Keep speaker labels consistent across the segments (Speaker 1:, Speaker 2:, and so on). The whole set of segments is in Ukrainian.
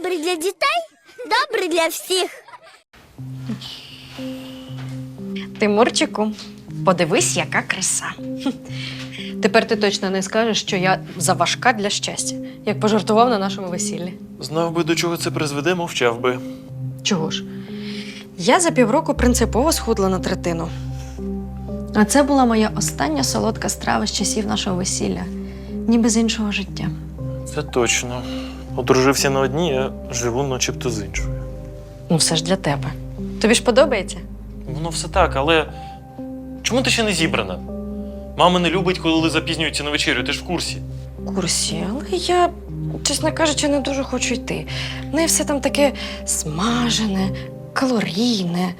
Speaker 1: добрий для дітей, добрий для всіх.
Speaker 2: Тимурчику, подивись, яка краса. Тепер ти точно не скажеш, що я заважка для щастя, як пожартував на нашому весіллі.
Speaker 3: Знав би, до чого це призведе, мовчав би.
Speaker 2: Чого ж? Я за півроку принципово схудла на третину. А це була моя остання солодка страва з часів нашого весілля. Ніби з іншого життя.
Speaker 3: Це точно. Одружився на одній, а живу начебто з іншою.
Speaker 2: Ну, все ж для тебе. Тобі ж подобається?
Speaker 3: Воно все так, але чому ти ще не зібрана? Мама не любить, коли запізнюються на вечерю, ти ж в курсі.
Speaker 2: Курсі, але я, чесно кажучи, не дуже хочу йти. В неї все там таке смажене, калорійне.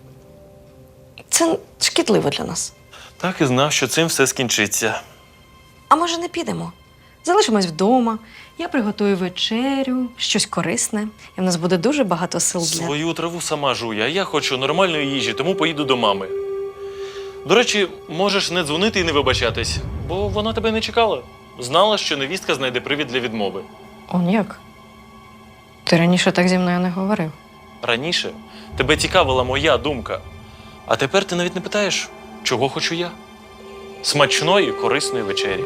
Speaker 2: Це шкідливо для нас.
Speaker 3: Так і знав, що цим все скінчиться.
Speaker 2: А може, не підемо? Залишимось вдома, я приготую вечерю, щось корисне, і в нас буде дуже багато сил для...
Speaker 3: Свою траву сама жує, а я хочу нормальної їжі, тому поїду до мами. До речі, можеш не дзвонити і не вибачатись, бо вона тебе не чекала. Знала, що невістка знайде привід для відмови.
Speaker 2: Он як? Ти раніше так зі мною не говорив.
Speaker 3: Раніше тебе цікавила моя думка, а тепер ти навіть не питаєш, чого хочу я. Смачної, корисної вечері.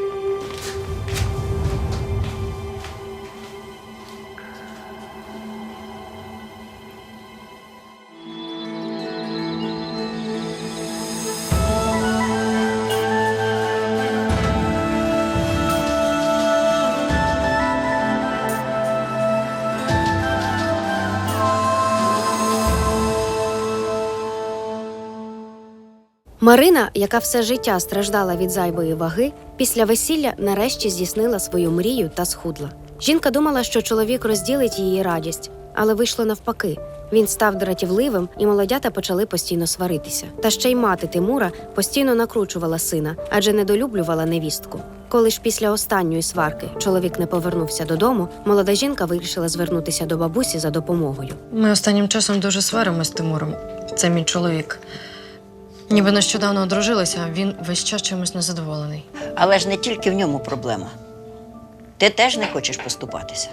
Speaker 4: Марина, яка все життя страждала від зайвої ваги, після весілля нарешті здійснила свою мрію та схудла. Жінка думала, що чоловік розділить її радість, але вийшло навпаки. Він став дратівливим, і молодята почали постійно сваритися. Та ще й мати Тимура постійно накручувала сина, адже недолюблювала невістку. Коли ж після останньої сварки чоловік не повернувся додому, молода жінка вирішила звернутися до бабусі за допомогою.
Speaker 2: Ми останнім часом дуже сваримось з Тимуром. Це мій чоловік. Ніби нещодавно одружилися, а він весь час чимось незадоволений.
Speaker 5: Але ж не тільки в ньому проблема. Ти теж не хочеш поступатися.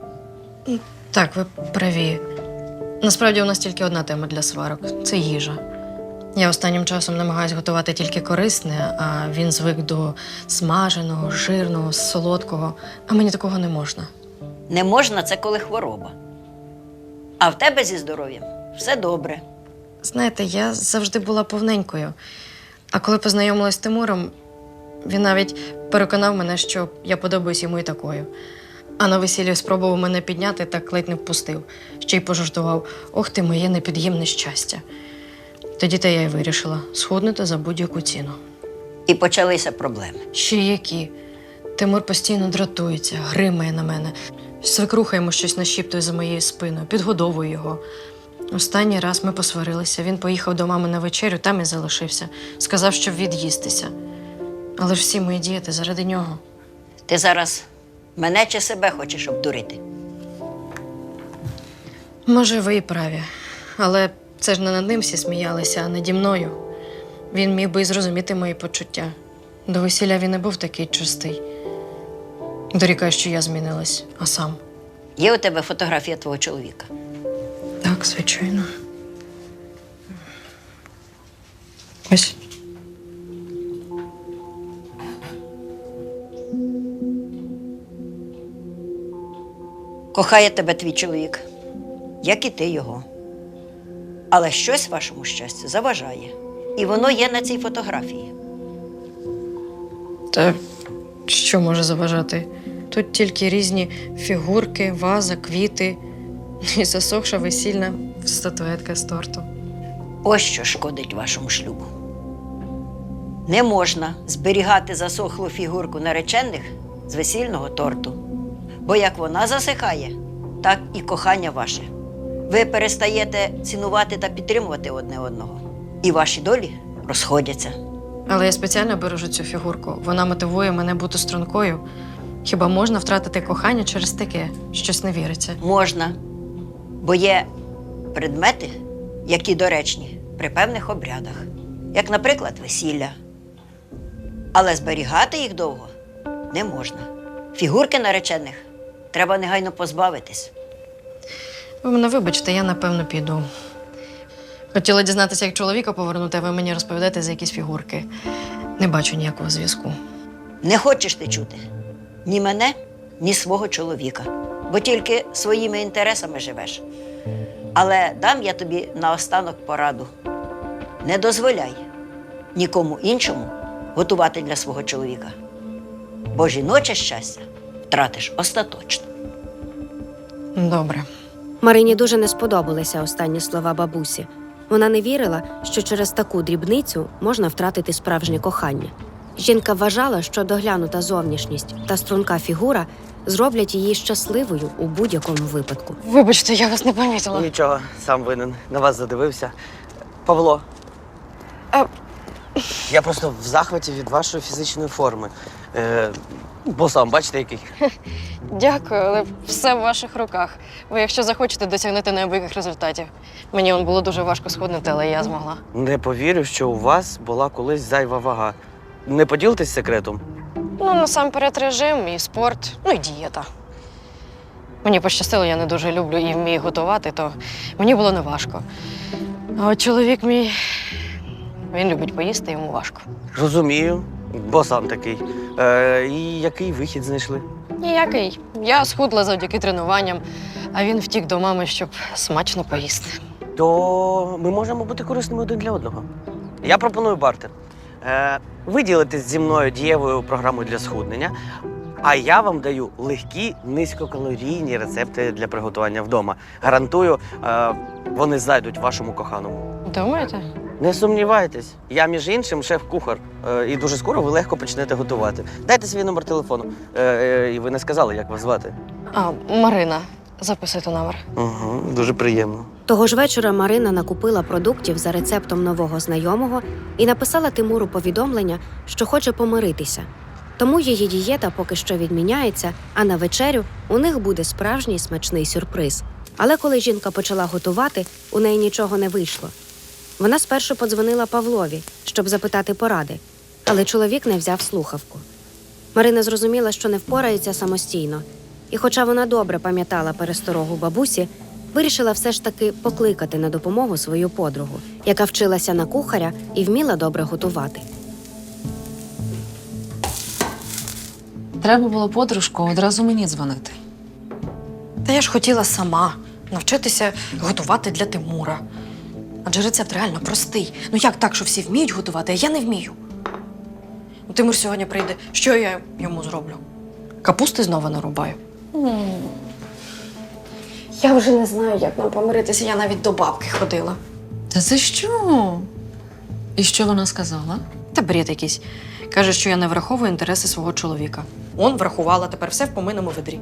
Speaker 2: Так, ви праві. Насправді у нас тільки одна тема для сварок – це їжа. Я останнім часом намагаюсь готувати тільки корисне, а він звик до смаженого, жирного, солодкого, а мені такого не можна.
Speaker 5: Не можна – це коли хвороба. А в тебе зі здоров'ям все добре.
Speaker 2: Знаєте, я завжди була повненькою. А коли познайомилась з Тимуром, він навіть переконав мене, що я подобаюсь йому і такою. А на весіллі спробував мене підняти, так ледь не впустив. Ще й пожартував: «Ох ти, моє непід'ємне щастя». Тоді та я й вирішила схуднути за будь-яку ціну.
Speaker 5: І почалися проблеми.
Speaker 2: Ще які. Тимур постійно дратується, гримає на мене. Свекруха йому щось нашіптує за моєю спиною, підгодовує його. Останній раз ми посварилися. Він поїхав до мами на вечерю, там і залишився. Сказав, щоб від'їстися. Але ж всі мої діяти заради нього.
Speaker 5: Ти зараз мене чи себе хочеш обдурити?
Speaker 2: Може, ви і праві. Але це ж не над ним всі сміялися, а наді мною. Він міг би і зрозуміти мої почуття. До весілля він не був такий чистий. Дорікає, що я змінилась, а сам.
Speaker 5: Є у тебе фотографія твого чоловіка?
Speaker 2: Так, звичайно. Ось.
Speaker 5: Кохає тебе твій чоловік, як і ти його. Але щось вашому щастю заважає. І воно є на цій фотографії.
Speaker 2: Та що може заважати? Тут тільки різні фігурки, ваза, квіти і засохша весільна статуетка з торту.
Speaker 5: Ось що шкодить вашому шлюбу. Не можна зберігати засохлу фігурку наречених з весільного торту. Бо як вона засихає, так і кохання ваше. Ви перестаєте цінувати та підтримувати одне одного. І ваші долі розходяться.
Speaker 2: Але я спеціально бережу цю фігурку. Вона мотивує мене бути стрункою. Хіба можна втратити кохання через таке? Щось не віриться.
Speaker 5: Можна. Бо є предмети, які доречні при певних обрядах. Як, наприклад, весілля. Але зберігати їх довго не можна. Фігурки наречених треба негайно позбавитись.
Speaker 2: Ви мене вибачте, я напевно піду. Хотіла дізнатися, як чоловіка повернути, а ви мені розповідаєте за якісь фігурки. Не бачу ніякого зв'язку.
Speaker 5: Не хочеш ти чути ні мене, ні свого чоловіка, бо тільки своїми інтересами живеш. Але дам я тобі наостанок пораду. Не дозволяй нікому іншому готувати для свого чоловіка, бо жіноче щастя втратиш остаточно.
Speaker 2: Добре.
Speaker 4: Марині дуже не сподобалися останні слова бабусі. Вона не вірила, що через таку дрібницю можна втратити справжнє кохання. Жінка вважала, що доглянута зовнішність та струнка фігура зроблять її щасливою у будь-якому випадку.
Speaker 2: Вибачте, я вас не помітила.
Speaker 6: Нічого, сам винен. На вас задивився. Павло. Я просто в захваті від вашої фізичної форми. Бо сам, бачите, який.
Speaker 2: Дякую, але все в ваших руках. Ви, якщо захочете, досягнете неабияких результатів. Мені було дуже важко схуднути, але я змогла.
Speaker 6: Не повірю, що у вас була колись зайва вага. Не поділитесь секретом?
Speaker 2: Ну, насамперед режим, і спорт, ну і дієта. Мені пощастило, я не дуже люблю і вмію готувати, то мені було неважко. А от чоловік мій, він любить поїсти, йому важко.
Speaker 6: Розумію, бо сам такий. І який вихід знайшли?
Speaker 2: Ніякий. Я схудла завдяки тренуванням, а він втік до мами, щоб смачно поїсти.
Speaker 6: То ми можемо бути корисними один для одного. Я пропоную бартер. Ви ділитесь зі мною дієвою програмою для схуднення, а я вам даю легкі, низькокалорійні рецепти для приготування вдома. Гарантую, вони зайдуть вашому коханому.
Speaker 2: Думаєте?
Speaker 6: Не сумнівайтесь, я, між іншим, шеф-кухар. І дуже скоро ви легко почнете готувати. Дайте свій номер телефону. І ви не сказали, як вас звати.
Speaker 2: А, Марина, записуйте номер.
Speaker 6: Угу, дуже приємно.
Speaker 4: Того ж вечора Марина накупила продуктів за рецептом нового знайомого і написала Тимуру повідомлення, що хоче помиритися. Тому її дієта поки що відміняється, а на вечерю у них буде справжній смачний сюрприз. Але коли жінка почала готувати, у неї нічого не вийшло. Вона спершу подзвонила Павлові, щоб запитати поради, але чоловік не взяв слухавку. Марина зрозуміла, що не впорається самостійно, і хоча вона добре пам'ятала пересторогу бабусі, вирішила все ж таки покликати на допомогу свою подругу, яка вчилася на кухаря і вміла добре готувати.
Speaker 7: Треба було, подружко, одразу мені дзвонити.
Speaker 2: Та я ж хотіла сама навчитися готувати для Тимура. Адже рецепт реально простий. Ну як так, що всі вміють готувати, а я не вмію? Ну, Тимур сьогодні прийде. Що я йому зроблю? Капусти знову нарубаю. Я вже не знаю, як нам помиритися. Я навіть до бабки ходила.
Speaker 7: Та це що? І що вона сказала?
Speaker 2: Та бред якийсь. Каже, що я не враховую інтереси свого чоловіка. Он врахувала, тепер все в помийному ведрі.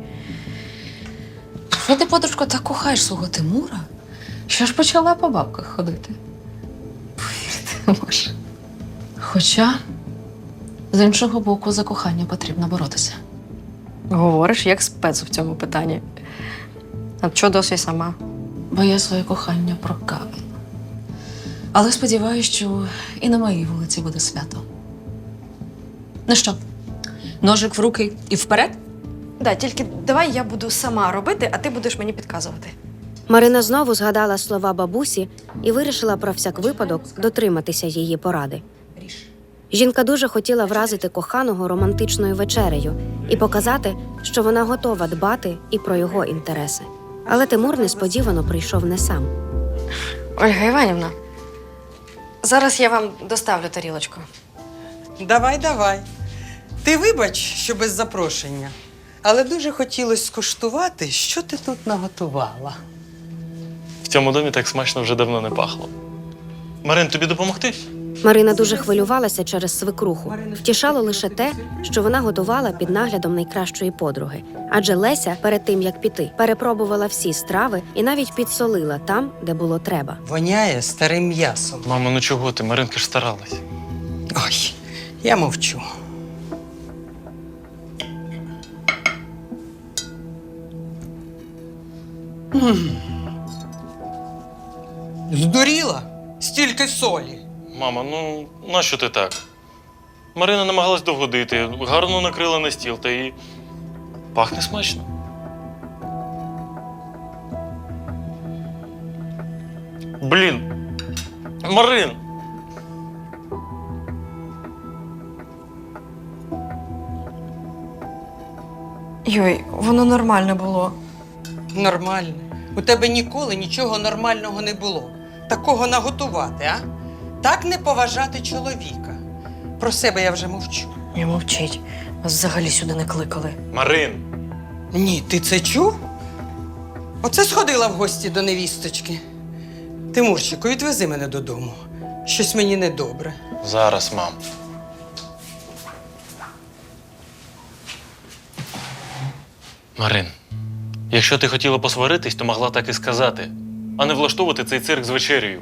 Speaker 7: Що ти, подружко, так кохаєш свого Тимура, що ж почала по бабках ходити? Повірити не можу. Хоча, з іншого боку, за кохання потрібно боротися.
Speaker 2: Говориш, як спец в цьому питанні. А що досі сама?
Speaker 7: Бо я своє кохання прокавила. Але сподіваюся, що і на моїй вулиці буде свято. Ну що, ножик в руки і вперед?
Speaker 2: Да, тільки давай я буду сама робити, а ти будеш мені підказувати.
Speaker 4: Марина знову згадала слова бабусі і вирішила про всяк випадок дотриматися її поради. Жінка дуже хотіла вразити коханого романтичною вечерею і показати, що вона готова дбати і про його інтереси. Але Тимур несподівано прийшов не сам.
Speaker 2: Ольга Іванівна, зараз я вам доставлю тарілочку.
Speaker 8: Давай, давай. Ти вибач, що без запрошення. Але дуже хотілося скуштувати, що ти тут наготувала.
Speaker 3: В цьому домі так смачно вже давно не пахло. Марин, тобі допомогти?
Speaker 4: Марина дуже хвилювалася через свекруху. Втішало лише те, що вона готувала під наглядом найкращої подруги. Адже Леся, перед тим, як піти, перепробувала всі страви і навіть підсолила там, де було треба.
Speaker 8: Воняє старим м'ясом.
Speaker 3: Мамо, ну чого ти? Маринка ж старалась.
Speaker 8: Ой, я мовчу. Здуріла? Стільки солі.
Speaker 3: Мама, ну нащо ти так? Марина намагалась довгодити, гарно накрила на стіл та і пахне смачно. Блін. Марин!
Speaker 2: Йой, воно нормальне було.
Speaker 8: Нормально. У тебе ніколи нічого нормального не було. Такого наготувати, а? Так не поважати чоловіка. Про себе я вже мовчу.
Speaker 2: Не мовчіть. Вас взагалі сюди не кликали.
Speaker 3: Марин!
Speaker 8: Ні, ти це чув? Оце сходила в гості до невісточки. Тимурчику, відвези мене додому. Щось мені недобре.
Speaker 3: Зараз, мам. Марин, якщо ти хотіла посваритись, то могла так і сказати, а не влаштовувати цей цирк з вечерею.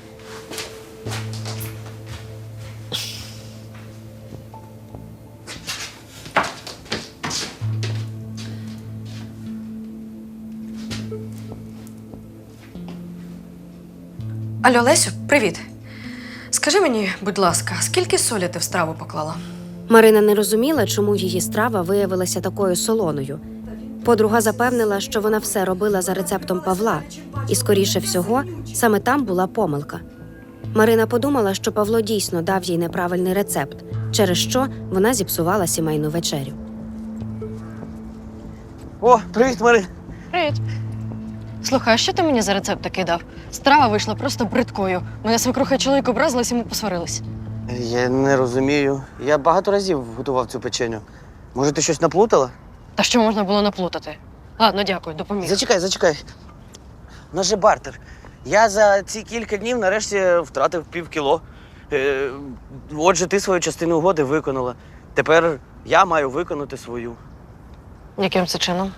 Speaker 2: Алло, Лесю, привіт. Скажи мені, будь ласка, скільки солі ти в страву поклала?
Speaker 4: Марина не розуміла, чому її страва виявилася такою солоною. Подруга запевнила, що вона все робила за рецептом Павла, і, скоріше всього, саме там була помилка. Марина подумала, що Павло дійсно дав їй неправильний рецепт, через що вона зіпсувала сімейну вечерю.
Speaker 6: О, привіт, Марин.
Speaker 2: Привіт. Слухай, а що ти мені за рецепт такий дав? Страва вийшла просто бридкою. Мене свекруха і чоловік образились, і ми посварились.
Speaker 6: Я не розумію. Я багато разів готував цю печеню. Може, ти щось наплутала?
Speaker 2: Та що можна було наплутати? Ладно, дякую, допоміг.
Speaker 6: Зачекай. У нас же бартер. Я за ці кілька днів нарешті втратив півкіло. Отже, ти свою частину угоди виконала. Тепер я маю виконати свою.
Speaker 2: Яким це чином?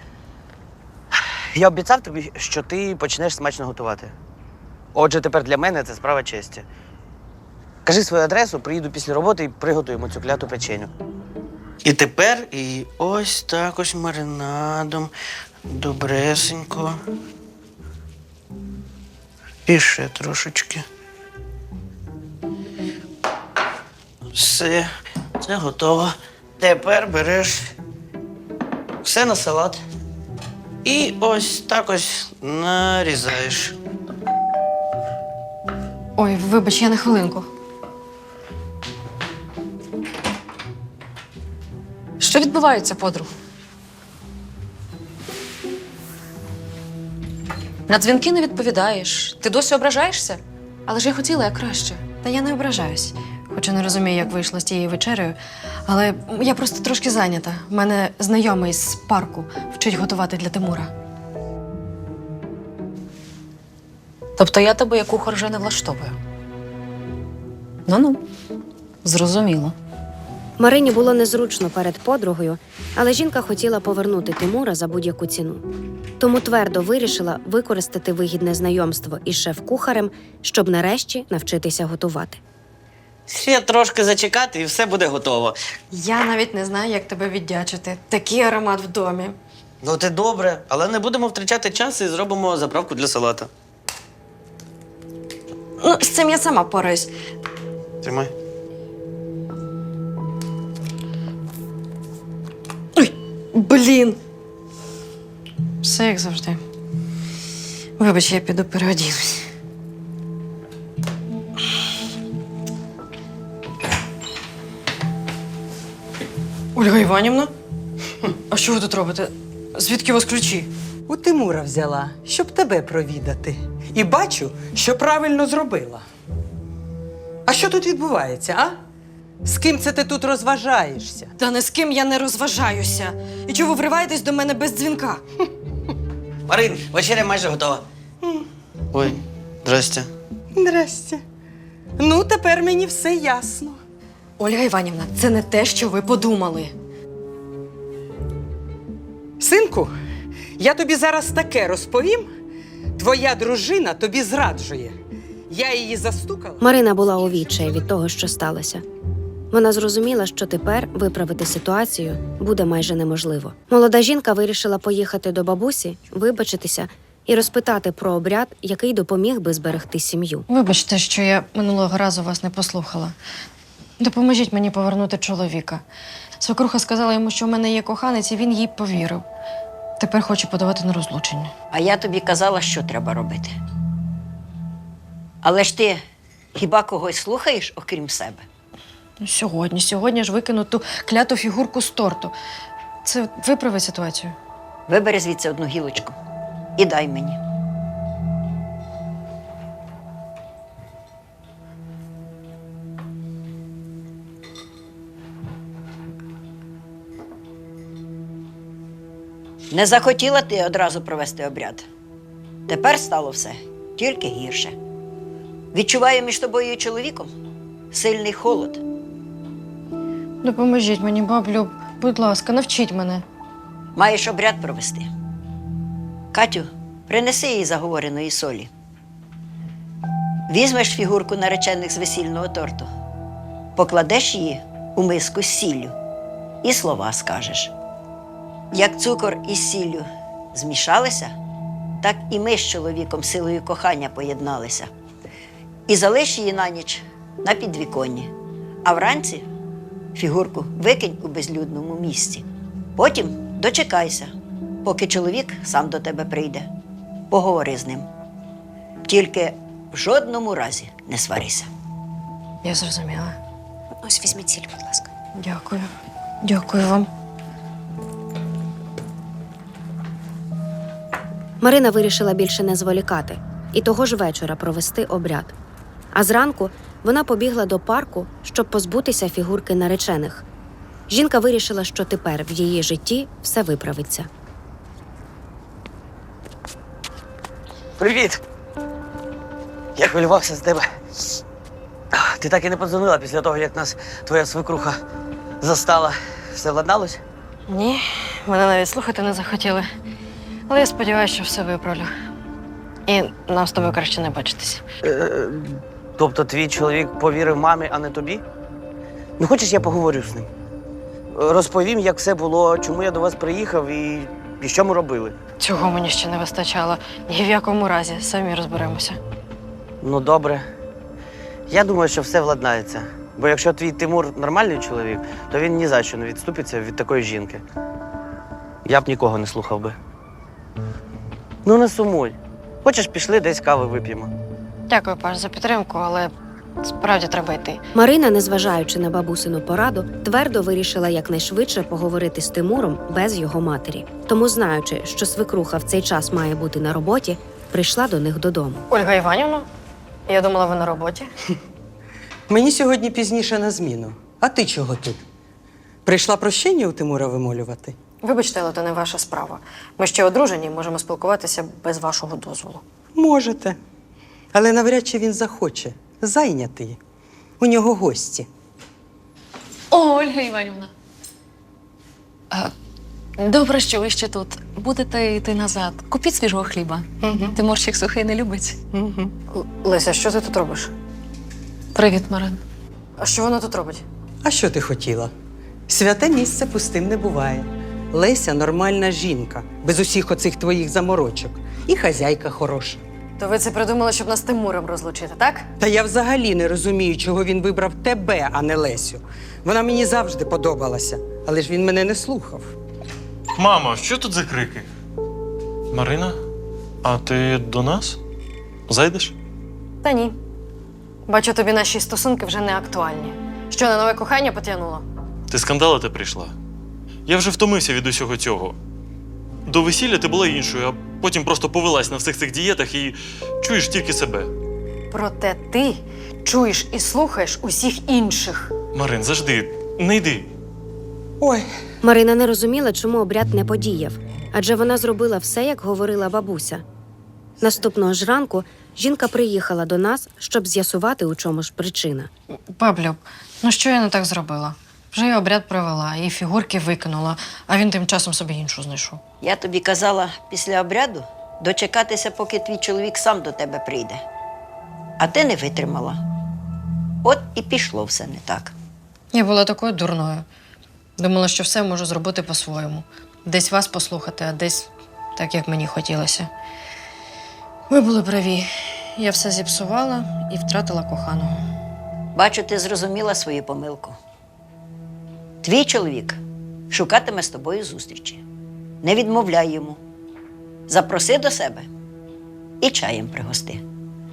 Speaker 6: Я обіцяв тобі, що ти почнеш смачно готувати. Отже, тепер для мене це справа честі. Кажи свою адресу, приїду після роботи і приготуємо цю кляту печеню. І тепер і ось так ось маринадом. Добресенько. І ще трошечки. Все, це готово. Тепер береш все на салат. І ось так ось нарізаєш.
Speaker 2: Ой, вибач, я на хвилинку.
Speaker 7: Що відбувається, подруг? На дзвінки не відповідаєш. Ти досі ображаєшся? Але ж я хотіла як краще.
Speaker 2: Та я не ображаюсь. Хоча не розумію, як вийшло з тією вечерею. Але я просто трошки зайнята. У мене знайомий з парку вчить готувати для Тимура.
Speaker 7: Тобто я тебе як кухар вже не влаштовую? Ну-ну, зрозуміло.
Speaker 4: Марині було незручно перед подругою, але жінка хотіла повернути Тимура за будь-яку ціну. Тому твердо вирішила використати вигідне знайомство із шеф-кухарем, щоб нарешті навчитися готувати.
Speaker 6: Ще трошки зачекати і все буде готово.
Speaker 2: Я навіть не знаю, як тебе віддячити. Такий аромат в домі.
Speaker 6: Ну, це добре, але не будемо втрачати час і зробимо заправку для салата.
Speaker 2: Ну, з цим я сама пораюсь.
Speaker 6: Тримай.
Speaker 2: Блін. Все як завжди. Вибач, я піду переодінусь. Ольга Іванівна? А що ви тут робите? Звідки у вас ключі?
Speaker 8: У Тимура взяла, щоб тебе провідати. І бачу, що правильно зробила. А що тут відбувається, а? З ким це ти тут розважаєшся?
Speaker 2: Та не з ким я не розважаюся. І чого ви вриваєтесь до мене без дзвінка?
Speaker 6: Марин, вечеря майже готова. Ой, здрасте.
Speaker 8: Здрасте. Ну, тепер мені все ясно.
Speaker 2: Ольга Іванівна, це не те, що ви подумали.
Speaker 8: Синку, я тобі зараз таке розповім. Твоя дружина тобі зраджує. Я її застукала.
Speaker 4: Марина була у відчаї від того, що сталося. Вона зрозуміла, що тепер виправити ситуацію буде майже неможливо. Молода жінка вирішила поїхати до бабусі, вибачитися і розпитати про обряд, який допоміг би зберегти сім'ю.
Speaker 2: Вибачте, що я минулого разу вас не послухала. Допоможіть мені повернути чоловіка. Свекруха сказала йому, що в мене є коханець, і він їй повірив. Тепер хоче подавати на розлучення.
Speaker 5: А я тобі казала, що треба робити. Але ж ти хіба когось слухаєш, окрім себе?
Speaker 2: Ну, сьогодні ж викину ту кляту фігурку з торту. Це виправить ситуацію.
Speaker 5: Вибери звідси одну гілочку і дай мені. Не захотіла ти одразу провести обряд. Тепер стало все тільки гірше. Відчуваю між тобою і чоловіком сильний холод.
Speaker 2: Допоможіть мені, баблю, будь ласка, навчіть мене.
Speaker 5: Маєш обряд провести. Катю, принеси їй заговореної солі. Візьмеш фігурку наречених з весільного торту, покладеш її у миску з сіллю і слова скажеш. Як цукор із сіллю змішалися, так і ми з чоловіком силою кохання поєдналися. І залиш її на ніч на підвіконні, а вранці фігурку викинь у безлюдному місці. Потім дочекайся, поки чоловік сам до тебе прийде. Поговори з ним. Тільки в жодному разі не сварися.
Speaker 2: Я зрозуміла.
Speaker 4: Ось візьміть сіль, будь ласка.
Speaker 2: Дякую. Дякую вам.
Speaker 4: Марина вирішила більше не зволікати і того ж вечора провести обряд. А зранку вона побігла до парку, щоб позбутися фігурки наречених. Жінка вирішила, що тепер в її житті все виправиться.
Speaker 6: Привіт! Я хвилювався з тебе. Ти так і не подзвонила після того, як нас твоя свекруха застала. Все владналось?
Speaker 2: Ні, мене навіть слухати не захотіли. Але я сподіваюся, що все виправлю. І нам з тобою краще не бачитися.
Speaker 6: Тобто твій чоловік повірив мамі, а не тобі? Ну, хочеш, я поговорю з ним? Розповім, як все було, чому я до вас приїхав і що ми робили.
Speaker 2: Цього мені ще не вистачало. Ні в якому разі, самі розберемося.
Speaker 6: Ну, добре. Я думаю, що все владнається. Бо якщо твій Тимур нормальний чоловік, то він ні за що не відступиться від такої жінки. Я б нікого не слухав би. Ну, не сумуй. Хочеш, пішли, десь кави вип'ємо.
Speaker 2: Дякую, Паш, за підтримку, але справді треба йти.
Speaker 4: Марина, незважаючи на бабусину пораду, твердо вирішила якнайшвидше поговорити з Тимуром без його матері. Тому, знаючи, що свекруха в цей час має бути на роботі, прийшла до них додому.
Speaker 2: Ольга Іванівна, я думала, ви на роботі.
Speaker 8: Мені сьогодні пізніше на зміну. А ти чого тут? Прийшла прощення у Тимура вимолювати?
Speaker 2: Вибачте, але це не ваша справа. Ми ще одружені і можемо спілкуватися без вашого дозволу.
Speaker 8: Можете. Але навряд чи він захоче. Зайнятий. У нього гості.
Speaker 7: О, Ольга Іванівна. Добре, що ви ще тут. Будете йти назад. Купіть свіжого хліба. Тимурчик сухий не любить.
Speaker 2: Леся, що ти тут робиш?
Speaker 7: Привіт, Марин.
Speaker 2: А що вона тут робить?
Speaker 8: А що ти хотіла? Святе місце пустим не буває. Леся нормальна жінка, без усіх оцих твоїх заморочок. І хазяйка хороша.
Speaker 2: То ви це придумали, щоб нас з Тимуром розлучити, так?
Speaker 8: Та я взагалі не розумію, чого він вибрав тебе, а не Лесю. Вона мені завжди подобалася, але ж він мене не слухав.
Speaker 3: Мамо, що тут за крики? Марина, а ти до нас? Зайдеш?
Speaker 2: Та ні. Бачу, тобі наші стосунки вже не актуальні. Що, на нове кохання потягнуло?
Speaker 3: Ти скандалити прийшла? Я вже втомився від усього цього. До весілля ти була іншою, а потім просто повелась на всіх цих дієтах і чуєш тільки себе.
Speaker 2: Проте ти чуєш і слухаєш усіх інших.
Speaker 3: Марин, завжди, не йди.
Speaker 8: Ой,
Speaker 4: Марина не розуміла, чому обряд не подіяв, адже вона зробила все, як говорила бабуся. Наступного ж ранку жінка приїхала до нас, щоб з'ясувати, у чому ж причина.
Speaker 2: Баблю, ну що я не так зробила? Вже я обряд провела, і фігурки викинула, а він тим часом собі іншу знайшов.
Speaker 5: Я тобі казала після обряду дочекатися, поки твій чоловік сам до тебе прийде. А ти не витримала. От і пішло все не так.
Speaker 2: Я була такою дурною. Думала, що все можу зробити по-своєму. Десь вас послухати, а десь так, як мені хотілося. Ви були праві. Я все зіпсувала і втратила коханого.
Speaker 5: Бачу, ти зрозуміла свою помилку. Твій чоловік шукатиме з тобою зустрічі. Не відмовляй йому. Запроси до себе і чаєм пригости.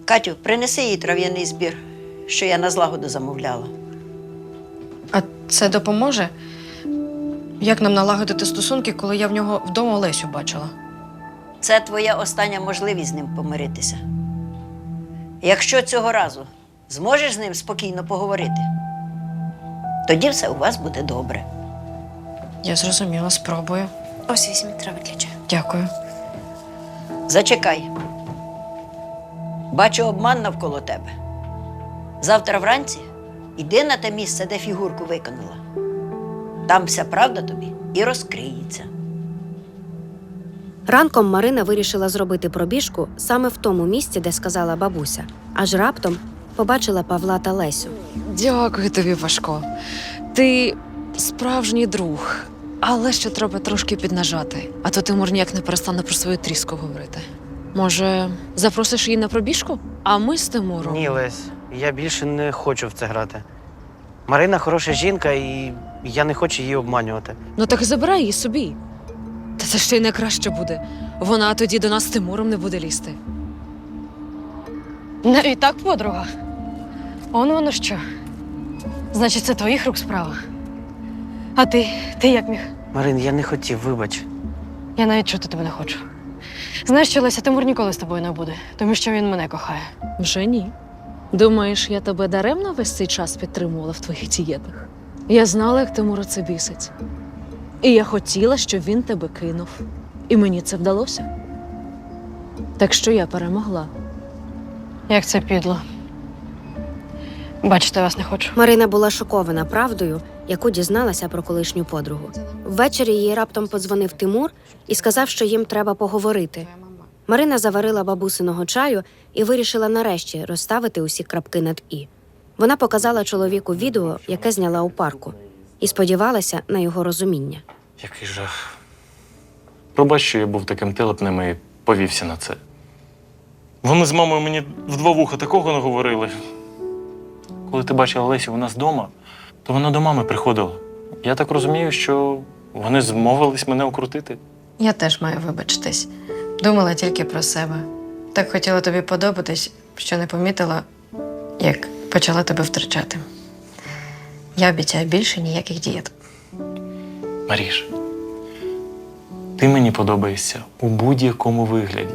Speaker 5: Катю, принеси їй трав'яний збір, що я на злагоду замовляла.
Speaker 2: А це допоможе? Як нам налагодити стосунки, коли я в нього вдома Лесю бачила?
Speaker 5: Це твоя остання можливість з ним помиритися. Якщо цього разу зможеш з ним спокійно поговорити, тоді все у вас буде добре.
Speaker 2: Я зрозуміла, спробую.
Speaker 4: Ось візьміть трави для чаю.
Speaker 2: Дякую.
Speaker 5: Зачекай. Бачу обман навколо тебе. Завтра вранці іди на те місце, де фігурку виконала. Там вся правда тобі і розкриється.
Speaker 4: Ранком Марина вирішила зробити пробіжку саме в тому місці, де сказала бабуся. Аж раптом побачила Павла та Лесю.
Speaker 7: Дякую тобі, Пашко. Ти справжній друг. Але ще треба трошки піднажати. А то Тимур ніяк не перестане про свою тріску говорити. Може, запросиш її на пробіжку? А ми з Тимуром.
Speaker 6: Ні, Лесь, я більше не хочу в це грати. Марина хороша жінка, і я не хочу її обманювати.
Speaker 7: Ну так забирай її собі. Та це ще й не краще буде. Вона тоді до нас з Тимуром не буде лізти.
Speaker 2: Навіть так, подруга. Воно що? Значить, це твоїх рук справа. А ти як міг?
Speaker 6: Марин, я не хотів, вибач.
Speaker 2: Я навіть чути тебе не хочу. Знаєш, що Леся, Тимур ніколи з тобою не буде, тому що він мене кохає.
Speaker 7: Вже ні. Думаєш, я тебе даремно весь цей час підтримувала в твоїх дієтах? Я знала, як Тимура це бісить. І я хотіла, щоб він тебе кинув. І мені це вдалося. Так що я перемогла.
Speaker 2: Як це підло. Бачите, вас не хочу.
Speaker 4: Марина була шокована правдою, яку дізналася про колишню подругу. Ввечері їй раптом подзвонив Тимур і сказав, що їм треба поговорити. Марина заварила бабусиного чаю і вирішила нарешті розставити усі крапки над «і». Вона показала чоловіку відео, яке зняла у парку, і сподівалася на його розуміння.
Speaker 3: Який жах. Пробач, що я був таким телепним і повівся на це. Вони з мамою мені в два вуха такого наговорили. Коли ти бачила Лесю у нас вдома, то вона до мами приходила. Я так розумію, що вони змовились мене окрутити.
Speaker 2: Я теж маю вибачитись. Думала тільки про себе. Так хотіла тобі подобатись, що не помітила, як почала тебе втрачати. Я обіцяю більше ніяких дієт.
Speaker 3: Маріш, ти мені подобаєшся у будь-якому вигляді.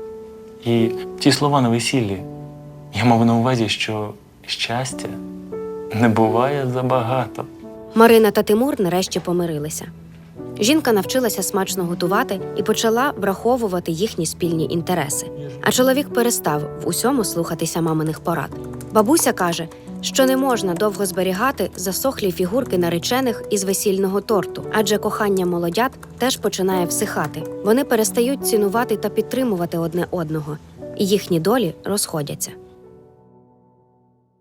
Speaker 3: І ті слова на весіллі, я мав на увазі, що щастя не буває забагато.
Speaker 4: Марина та Тимур нарешті помирилися. Жінка навчилася смачно готувати і почала враховувати їхні спільні інтереси. А чоловік перестав в усьому слухатися маминих порад. Бабуся каже, що не можна довго зберігати засохлі фігурки наречених із весільного торту, адже кохання молодят теж починає всихати. Вони перестають цінувати та підтримувати одне одного, і їхні долі розходяться.